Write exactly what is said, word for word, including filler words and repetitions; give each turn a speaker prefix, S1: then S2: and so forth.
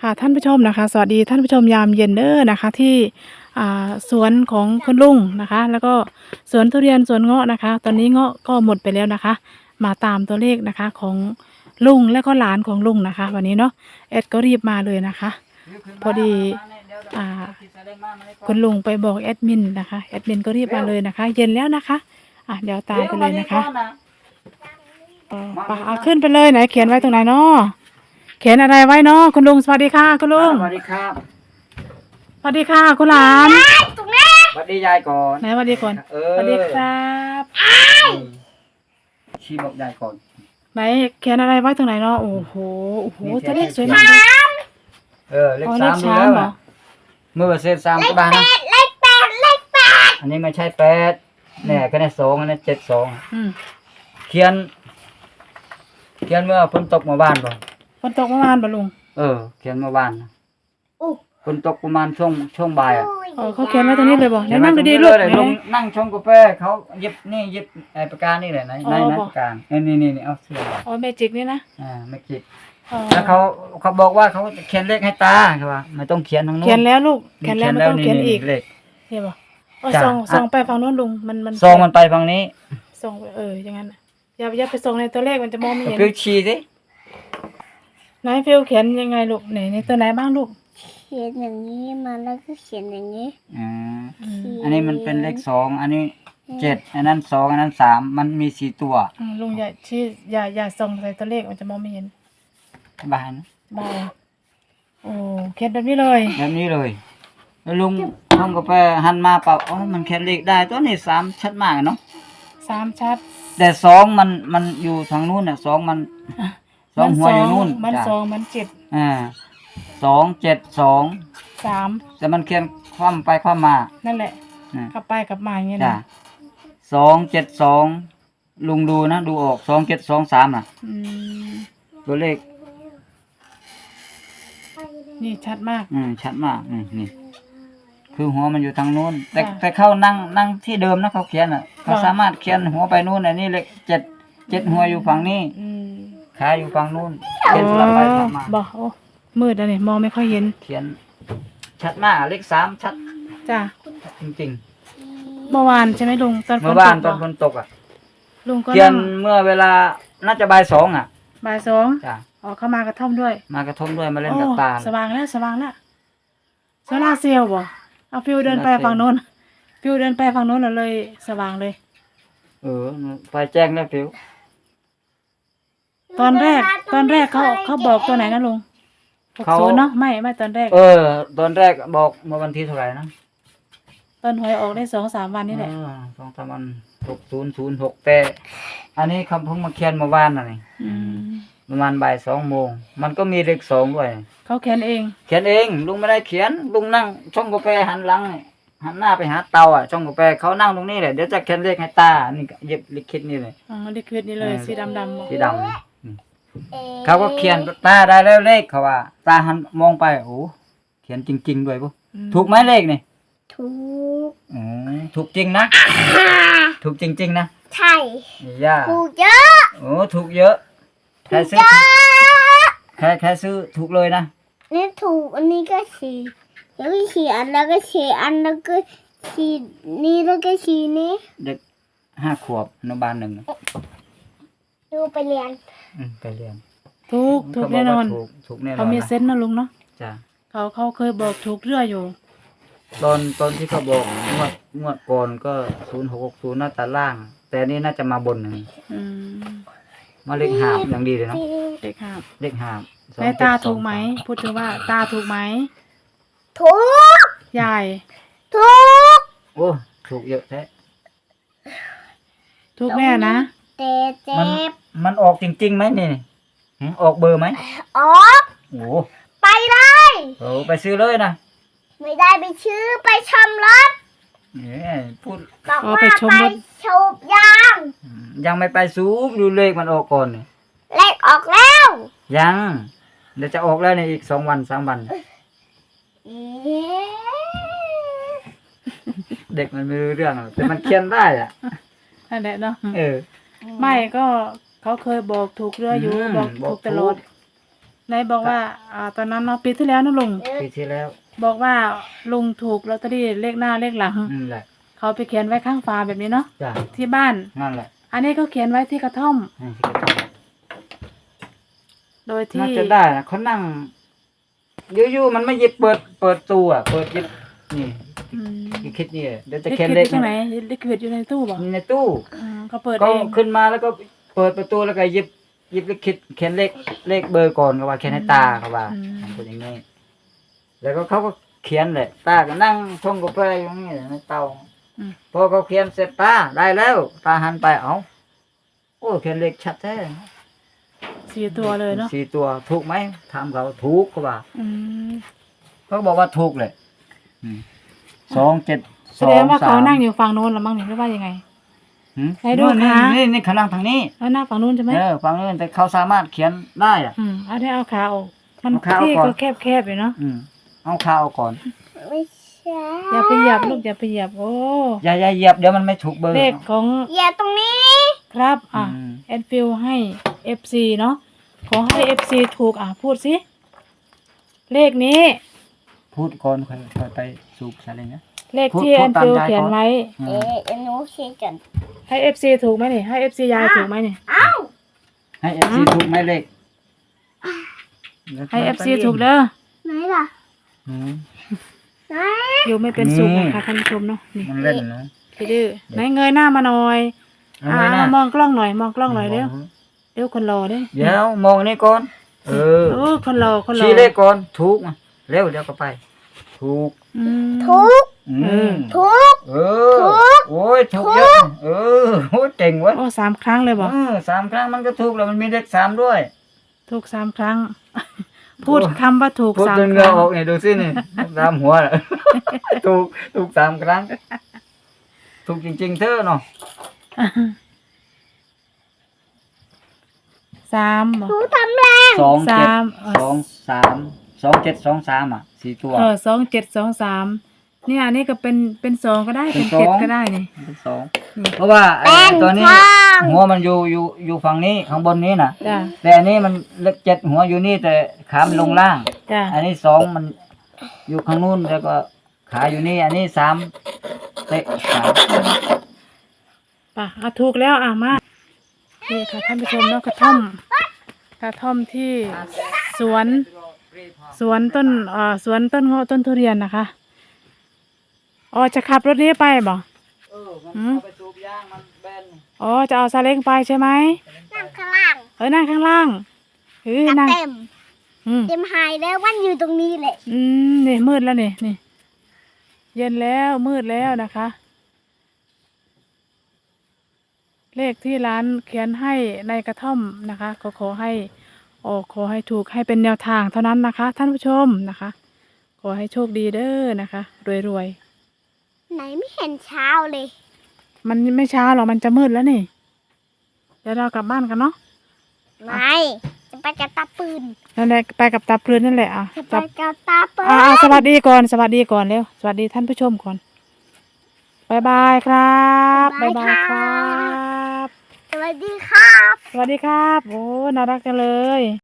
S1: ค่ะท่านผู้ชมนะคะสวัสดีท่านผู้ชมยามเย็นเด้อนะคะที่อ่าสวนของคุณลุงนะคะ แล้วก็สวนทุเรียนสวนเงาะนะคะ ตอนนี้เงาะก็หมดไปแล้วนะคะ มาตามตัวเลขนะคะของลุงและก็หลานของลุงนะคะ วันนี้เนาะเอ็ดก็รีบมาเลยนะคะ พอดีอ่าคุณลุงไปบอกแอดมินนะคะแอดมินก็รีบมาเลยนะคะ เย็นแล้วนะคะอ่ะเดี๋ยวตามไปเลยนะคะเออไปเอาขึ้นไปเลยไหนเขียนไว้ตรงไหนเนาะเขียนอะไรไว้เนาะคุณลุงสวัสดีค่ะคุณลุง
S2: สวัสดีครับ
S1: สวัสดีค่ะคุณหลาน
S2: สวัสดียายก่อน
S1: ไหนสวัสดีก่อน
S2: เอ
S1: ส
S2: อ
S1: วัสดีครับ
S2: ชี้บอกยายก่อน
S1: ไหนเขียนอะไรไว้ตรงไหนเนาะโอ้โหโอ้โห
S2: นี่เขี
S1: จะ
S2: ยน
S1: เลขสวย
S2: เล
S1: มา
S2: ข
S1: ก
S2: สาม
S1: เลย
S2: เออเลข
S1: อ๋อ
S2: สาม
S1: เลข
S2: ดู
S1: สาม
S2: แล้ว
S1: เหรอ
S2: อะเมื่อเศษสามก็บ้านนะ
S3: เลขแปดเลขแปด
S2: อันนี้ไม่ใช่แปดเนี่ยก็ได้สองอันนี้เจ็ดสอง
S1: อืม
S2: เขียน เขียนเมื่อฝนตกเมื่อวานก่อน
S1: ฝนตกเมื่อวานปะลุง
S2: เออ เขียนเมื่อวานนะ
S3: อู้
S2: ฝนตกประมาณช่วงช่วงบ่ายอ่ะ
S1: เออเขาเขียนไว้ตรงนี้เลยบอกไหน
S2: เขียน
S1: นั่ง
S2: ไว้
S1: ดี
S2: ตรง
S1: ๆลูก
S2: เลย
S1: ไหน
S2: ลงนั่งชงกาแฟเขาเย็บนี่เย็บไอ้ปากกานี่แหละไหน
S1: อ๋อ
S2: ไหนไหน
S1: บอก
S2: ปากกาเออนี่นี่นี่เอาเสื้อมา
S1: อ๋อเมจิกนี่นะ
S2: อ่าไม่คิด
S1: อ๋อ
S2: แล้วเขาเขาบอกว่าเขาเขียนเลขให้ตาเขาว่าไม่ต้องเขียนทางโน้น
S1: เขียนแล้วลูกเขียนแล้วไม่ต้องเขียนอีก
S2: เลข
S1: เห็นปะเออ
S2: จ้ะ
S1: ส่ง
S2: อ่ะ
S1: ส่งไปฝั่งโน้นลุงมันมัน
S2: ซองมันไปฝั่งนี้
S1: ส่งไปเอออย่างนั้นน่ะอย่าอย่าไปส่งในตัวเลขมันจะมองไม่เห็น
S2: ฟิวชีสิ
S1: ไหนฟิลเขียนยังไงลูกไหนในตัวไหนบ้างลูก
S3: เขียนอย่างนี้มาแล้วก็เขียนอย่างนี้
S2: อ่า
S1: อืม
S2: อันนี้มันเป็นเลขสองอันนี้เจ็ดอันนั้นสองอันนั้นสามมันมีสี่ตัว
S1: อืมลุงอย่าชี้อย่าอย่าส่งใส่ตัวเลขมันจะมองไม่เห็น
S2: บ้าน
S1: บายโอ้เขียนแบบนี้เลย
S2: แบบนี้เลย แล้วลุงลุงก็ไปหันมาเปล่าอ๋อมันเขียนเลขได้ตัวนี้สามชัดมากเนาะ
S1: สามชัด
S2: แต่สองมันมันอยู่ทางนู้นน่ะสองมันสองหัวอยู่นู้น
S1: มัน
S2: จ้ะ
S1: สองมันเจ็ด
S2: อ่าสองเจ็ดสอง
S1: สาม
S2: แต่มันเขียนคว่ำไปคว่ำมา
S1: นั่นแหละ
S2: อ่า
S1: กลับไปกลับมาอย่างเงี้ย
S2: จ้ะ
S1: นะ
S2: สองเจ็ดสองลุงดูนะดูออกสองเจ็ดสองสามอ่ะ
S1: อืม
S2: ตัวเลข
S1: นี่ชัดมาก
S2: อืมชัดมากอืมนี่ คือหัวมันอยู่ทางนู้น แต่
S1: จ้ะ
S2: แต่เขานั่งนั่งที่เดิมนะเขาเขียนอ่ะเขา
S1: จ้ะ
S2: สามารถเขียนหัวไปนู้นอันนี้เลขเจ็ดเจ็ดหัวอยู่ฝั่งนี้
S1: อืม
S2: ขาอยู่ฝั่งนู้นเขียนสลับไปสลับมา
S1: บอกโอ้มืดอะนี่มองไม่ค่อยเห็น
S2: เขียน ชัดมากเลขสามชัด
S1: จ้ะ
S2: จริง
S1: เมื่อวานใช่ไหมลุงตอน
S2: ๆ
S1: ฝ
S2: เมื่
S1: น
S2: อ
S1: ต
S2: วาน
S1: ก
S2: ตอน
S1: เห
S2: ฝ
S1: รอน
S2: ตกอ่ะ
S1: ลุงก็
S2: เขีย
S1: นั่
S2: น
S1: ง
S2: เมื่อเวลาน่าจะบ่ายสองอ่ะ
S1: บ่ายสอง
S2: จ้ะ
S1: อ๋อเข้ามากระท่อมด้วย
S2: มากระทบด้วยมาเล่น
S1: โอ้
S2: กับตา
S1: สว่างแล้วสว่างแล้วโซล่าร์เซลล์บ่เอาฟิวเดินไป
S2: โซล่าร์เซลล์
S1: ฝั่งโน้นฟิวเดินไปฝั่งโน้นแล้วเลยสว่างเลย
S2: เออไปแจ้งแล้วฟิว
S1: ตอนแรกตอนแรกเขาเขาบอกตัวไหนนะลุงหก
S2: เขา
S1: ศูนย์เนาะไม่ไม่ตอนแรก
S2: เออ ตอนแรกบอกเมื่อวันที่เท่าไหร่นะ
S1: ตอนหวยออกได้สองสามวันนี่แหละ
S2: เออสองสามวันหกศูนย์ศูนย์หกแต่ อันนี้คำเพิ่งมาเขียนเมื่อวานน่ะนี่
S1: อืม
S2: ประมาณบ่ายสองโมงมันก็มีเลขสองด้วย
S1: เขาเขียนเอง
S2: เขียนเองลุงไม่ได้เขียนลุงนั่งช่องกาแฟหันหลังนี่หันหน้าไปหาเตาอ่ะช่องกาแฟเขานั่งตรงนี้แหละเดี๋ยวจะเขียนเลขให้ตานี่ก็เย็บลิขิตนี่เลย
S1: อ๋อลิควิดนี่เลย
S2: เออ
S1: สีดำดำบอก
S2: สีดำนี่นี่เขาก็เขียนตาได้แล้วเลขเขาว่า ตาหันมองไปโอ้เขียนจริง ๆ ด้วยปุ๊
S1: อืม
S2: ถูกไหมเลขนี่
S3: ถูก
S2: อืมถูกจริงนะถูกจริง ๆ นะ
S3: ใช่
S2: ย่า
S3: ถูกเยอะ
S2: โอ้ถูกเยอะใครซื้อ
S3: เยอะ
S2: ใครใครซื้อถูกเลยนะ
S3: นี่ถูกอันนี้ก็สี่แล้วก็สี่อันแล้วก็สี่อันแล้วก็สี่นี่แล้วก็สี่นี้
S2: เด็กห้าขวบอนุบาลหนึ่ง
S3: ดูไปเรียน
S2: อืมไปเรียน
S1: ถูกถูก
S2: เขาบ
S1: แน่นอน
S2: ว่าถูกถูกแน่นอน
S1: เขามี
S2: นะ
S1: เซนส์นะลุงเนาะ
S2: จ้ะ
S1: เขาเขาเคยบอกถูกเรื่อยอยู่
S2: ตอนตอนที่เขาบอกงวดงวดก่อนก็ศูนย์หกหกศูนย์น่าจะล่าง แต่อันนี่น่าจะมาบนหนึ่ง
S1: อืม
S2: มาเลขหาบอย่างดีเลยเนาะ
S1: เด็กครับ
S2: เลขหาบสอง
S1: แม่
S2: เจ็ด
S1: ตา
S2: ส
S1: ถู
S2: อง
S1: กไหม
S2: สา
S1: พูดถึงว่าตาถูกไหม
S3: ถูก
S1: ยาย
S3: ถูก
S2: โอ้ถูกเยอะแท้
S1: ถูกแน่นะ
S3: แต่เจ็
S2: มัน
S3: บ
S2: มันออกจริงๆไหมนี่หึออกเบอร์ไหม
S3: ออก
S2: โอ้
S3: ไปเลย
S2: โหไปซื้อเลยนะ
S3: ไม่ได้ไปชื่อไปชมรถ
S2: เนี่ยพูด
S3: บอก
S1: อ๋อ
S3: ว่า
S1: ไป
S3: ไป
S1: ชมรถ
S3: สูบยาง
S2: ยังไม่ไปซูบดูเลขมันออกก่อนนี่
S3: เลขออกแล้ว
S2: ยังเดี๋ยวจะออกแล้วในอีกสองวันสามวัน
S3: เอ๊ะ
S2: เด็กมันไม่รู้เรื่องหรอกแต่มันเขียนได้อ่ะ
S1: นั่นแหละเนาะ
S2: เออ
S1: ไม่ก็เขาเคยบอกถูกเรื่อยอยู่
S2: อืม
S1: บอก
S2: บอก
S1: ถูกตลอด
S2: ถูก
S1: ไหนบอกว่าอ่าตอนนั้นเนาะปีที่แล้วนะลุง
S2: ปีที่แล้ว
S1: บอกว่าลุงถูกลอตเตอรี่เลขหน้าเลขหลัง
S2: นั่นแหละ
S1: เขาไปเขียนไว้ข้างฝาแบบนี้เนาะ
S2: จ้ะ
S1: ที่บ้าน
S2: นั่นแหละ
S1: อันนี้ก็เขียนไว้ที่กระท่อม
S2: ให้ที่กระท่อม
S1: โดยที่
S2: น่าจะได้นะเขานั่งอยู่ๆมันไม่หยิบเปิดเปิดตู้อ่ะเปิดหยิบนี่
S1: อืม
S2: คิดนี่เดี๋ยวจะ
S1: ลิ
S2: เขียน
S1: ควิด
S2: เล
S1: อ
S2: ข
S1: ยู่ตรงไหนลิควิดอยู่ในตู้บ่
S2: ในตู้
S1: อืมก็เปิด
S2: ก็
S1: เอง
S2: ขึ้นมาแล้วก็เปิดประตูแล้วก็หยิบหยิบเลขคิดเขียนเลขเลขเบอร์ก่อนก็ว่าเขียนให้ตาเขาว่าเป็นอย่างนี้แล้วก็เขาก็เขียนเลยตาก็นั่งชงกาแฟอยู่นี่ในเตา
S1: อืม
S2: พอเขาเขียนเสร็จตาได้แล้วตาหันไปเอ้าโอ้เขียนเลขชัดแท้
S1: สี่ตัวเลยเนาะ
S2: สี่ตัวถูกไหมถามเขาถูกเขาว่า
S1: อืม
S2: เขาบอกว่าถูกเลยอืมสองเจ็ด
S1: แส
S2: สอ
S1: ด
S2: ง
S1: งว่า
S2: สา
S1: เขา
S2: ม
S1: นั่งอยู่ฝั่งโน้นหรือมั้งเนี่ยหรือว่ายังไง
S2: หืม
S1: ไหนดู
S2: นี่
S1: ขา
S2: นี่นี่เขานั่งทางนี้
S1: แล้วหน้าฝั่งนู้นใช่ไหม
S2: เออฟังนี่แต่เขาสามารถเขียนได้อ่ะ
S1: อืมเอาได้เอาขาออกมัน
S2: เอาขาออก
S1: ที่
S2: ก่อน
S1: ก็แคบๆอยู่เนาะ
S2: อืมเอาข้าวเอาก่อน
S3: ไม่ใช่
S1: อย่าไปเหยียบลูกอย่าไปเหยียบโอ้
S2: อย่าอย่าเหยียบเดี๋ยวมันไม่ถูกเบอร์
S1: เลขของ
S3: อย่าตรงนี้
S1: ครับอ่ะ
S2: อืม
S1: แอดฟิลให้ เอฟ ซี เนาะขอให้ เอฟ ซี ถูกอ่ะพูดสิเลขนี้
S2: พูดก่อนค่อยค่อยไปสูบอะไรเงี้ย
S1: เลข
S2: พูด
S1: ที่
S2: พู
S1: แอ
S2: ด
S1: ด
S2: ตาม
S1: ฟิล
S2: ยาย
S1: เขียน
S2: ก่อน
S1: ไว้
S2: อืม
S3: เอ๊ะอันนู้นคิดกัน
S1: ให้ เอฟ ซี ถูกไหมนี่ให้ เอฟ ซี ยายถูกไหมนี่
S3: เอ้า
S2: ให้เอฟซีถูกไหมเลข
S1: ให้ เอฟ ซี ถูกเด้อ
S3: ไหนล่ะ
S2: อืม
S3: ไหน
S1: อยู่ไม่เป็นสุข
S2: นี่
S1: นะคะท่านผู้ชมเนาะนี่
S2: มันเล่นนะ
S1: พี่ดื้อไหนเงยหน้ามาหน่อย
S2: เอา
S1: อ่า
S2: ไว้นะ
S1: มองกล้องหน่อยมองกล้องหน่อยเร็วเร็วคนรอเด้
S2: เดี๋ยวมองนี่ก่อน เออ
S1: โอ้คนรอคนรอ
S2: ชี้เลขก่อนถูกมาเร็วเดี๋ยวก็ไป ถูก
S1: อืม
S3: ทุก
S2: อืม
S3: ทุก
S2: เออ โอ้ยถูกเยอะเออโอ้ยเจ๋งเว้ย
S1: โอ้สามครั้งเลยบอก
S2: เออสามครั้งมันก็ถูกแล้วมันมีเลขสามด้วย
S1: ถูกสามครั้ง พูดคำว่าถูก
S2: พูด
S1: สาม
S2: จน
S1: ค
S2: เหงื่อ
S1: รั้ง
S2: ออกเนี่ยดูสินี่ตามหัวน่ะ ถูกถูกสามครั้ง ถูกจริงๆเธอเนาะ
S1: สามบอก
S3: ทุกทำแรง
S2: สองเจ็ด
S1: สามเออ
S2: สองสามสองเจ็ดสองสามอ่ะสี่ตัว
S1: เออสองเจ็ดสองสามเนี่ยอันนี้ก็เป็นเป็นสองก็ได้
S2: เป็
S1: เป็น
S2: นสอง
S1: เจ็ดก็ได้นี่
S2: เป็นสอง
S1: นี่
S2: เพราะว่าไอ้
S3: เป็น
S2: ตัวนี้
S3: ทาง
S2: หัวมันอยู่อยู่อยู่ฝั่งนี้ข้างบนนี้น่ะ
S1: จ้ะ
S2: แต่อันนี้มันเลขเจ็ดหัวอยู่นี่แต่ขามันลงล่าง
S1: จ้ะ
S2: อันนี้สองมันอยู่ข้างนู้นแล้วก็ขาอยู่นี่ อันนี้สามเตะขา
S1: ป่ะอ่ะถูกแล้วอ่ะมานี่ค่ะท่านผู้ชมเนาะกระท่อมกระท่อมที่สวนสวนต้นเอ่อสวนต้นเงาะต้นทุเรียนนะคะอ๋อจะขับรถนี้ไปบ่
S2: เออมัน
S1: อืม
S2: เอาไปสูบยางมันแบน
S1: อ๋อจะเอาซาเล้งไปใช่ไหม
S3: นั่งข้างล่าง
S1: เออนั่งข้างล่างเฮ้ยนั่ง
S3: เต็ม
S1: อืม
S3: เต็มหายแล้ววันอยู่ตรงนี้แหละ
S1: อืมนี่มืดแล้วนี่นี่เย็นแล้วมืดแล้วนะคะ เลขที่ร้านเขียนให้ในกระท่อมนะคะก็ขอให้ออกขอให้ถูกให้เป็นแนวทางเท่านั้นนะคะ ท่านผู้ชมนะคะ ขอให้โชคดีเด้อนะคะ รวย
S3: ไหนไม่เห็นเช้าเลย
S1: ๆมันไม่ช้าหรอกมันจะมืดแล้วนี่เดี๋ยวเรากลับบ้านกันเนาะ
S3: ไม่จะไปกับตาปืน
S1: นั่นแหละไปกับตาเพลินนั่นแหละอ่ะ
S3: จะไป
S1: จับ
S3: กับตาปืน
S1: อ่าสวัสดีก่อนสวัสดีก่อนเร็วสวัสดีท่านผู้ชมก่อนบายบายครับบายบายครับ
S3: สวัสดีครับ
S1: สวัสดีครับ โอ้ น่ารักจังเลย